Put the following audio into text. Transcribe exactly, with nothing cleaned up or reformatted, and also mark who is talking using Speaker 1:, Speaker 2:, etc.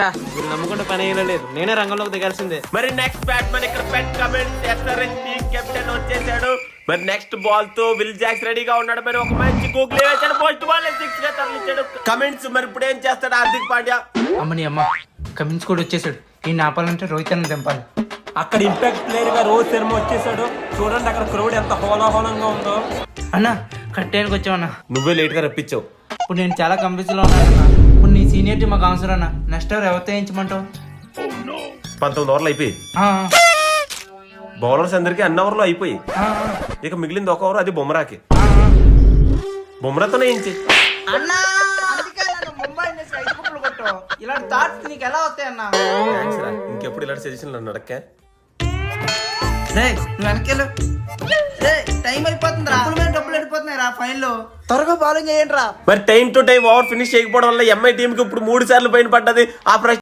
Speaker 1: నమ్ముకుంటే పని అయినా లేదు, నేనే రంగంలోకి దిగాల్సిందే.
Speaker 2: మరి నెక్స్ట్ బ్యాట్స్మెన్ ఇక్కడ పెట్ కమెంట్ ఎస్ఆర్ఎస్ టీమ్ కెప్టెన్ వచ్చేసాడు. మరి నెక్స్ట్ బాల్ తో విల్ జాక్స్ రెడీగా ఉన్నాడు. మరి ఒక మంచి గూగుల్ వేసాడు, ఫస్ట్ బాల్ సిక్స్ గా తరలించాడు కమెంట్స్. మరి ఇప్పుడు ఏం చేస్తాడు హార్దిక్ పాండ్యా?
Speaker 3: అమ్మని అమ్మ, కమిన్స్ కూడా వచ్చేసాడు. ఈ ఆపాలంటే రోహిత్ అన్న దింపాలి.
Speaker 4: అక్కడ ఇంపాక్ట్ ప్లేయర్ గా రోహిత్ శర్మ వచ్చేసాడు. చూడండి అక్కడ క్రౌడ్ ఎంత హోలాహోలంగా ఉందో.
Speaker 3: అన్న కట్టేయడానికి వచ్చావన్నా,
Speaker 2: నువ్వే లేట్ గా రప్పించావు.
Speaker 3: ఇప్పుడు నేను చాలా కంఫ్యూజ్ లో ఉన్నానన్నా. ఇప్పుడు నీ సీనియర్టీ మాకు అవసరం అన్న. నెక్స్ట్ ఓవర్ ఎవరితో వేయించమంటావు?
Speaker 2: పంతొమ్మిది ఓవర్లు అయిపోయి
Speaker 3: ఆ,
Speaker 2: బౌలర్స్ అందరికి అన్ని ఓవర్లు అయిపోయి
Speaker 3: ఆ,
Speaker 2: ఇక మిగిలింది ఒక ఓవర్, అది బుమ్రాకి.
Speaker 3: ఆ,
Speaker 2: బుమ్రాతోనే వేయించి.
Speaker 3: అన్నా అందుకే నన్ను ముంబై ఇండియన్స్ ఐదు కుప్పలు కొట్టు. ఇలాంటి థాట్స్ నీకు ఎలా వస్తాయి అన్నా?
Speaker 2: థ్యాంక్స్ రా, ఇంకెప్పుడు ఇలాంటి సజెషన్లు నన్ను అడక్కా.
Speaker 3: రే నువ్వు వెనకెళ్ళు. రే టైం అయిపోతుంది రా, డబ్బులు వెళ్ళిపోతున్నాయి రా ఫైన్ లో. త్వరగా బౌలింగ్ చేయండి రా.
Speaker 2: మరి time to time over finish చేయకపోవడం వల్ల ఎంఐ టీం కి ఇప్పుడు మూడు సార్లు పైన పడ్డది. ఆ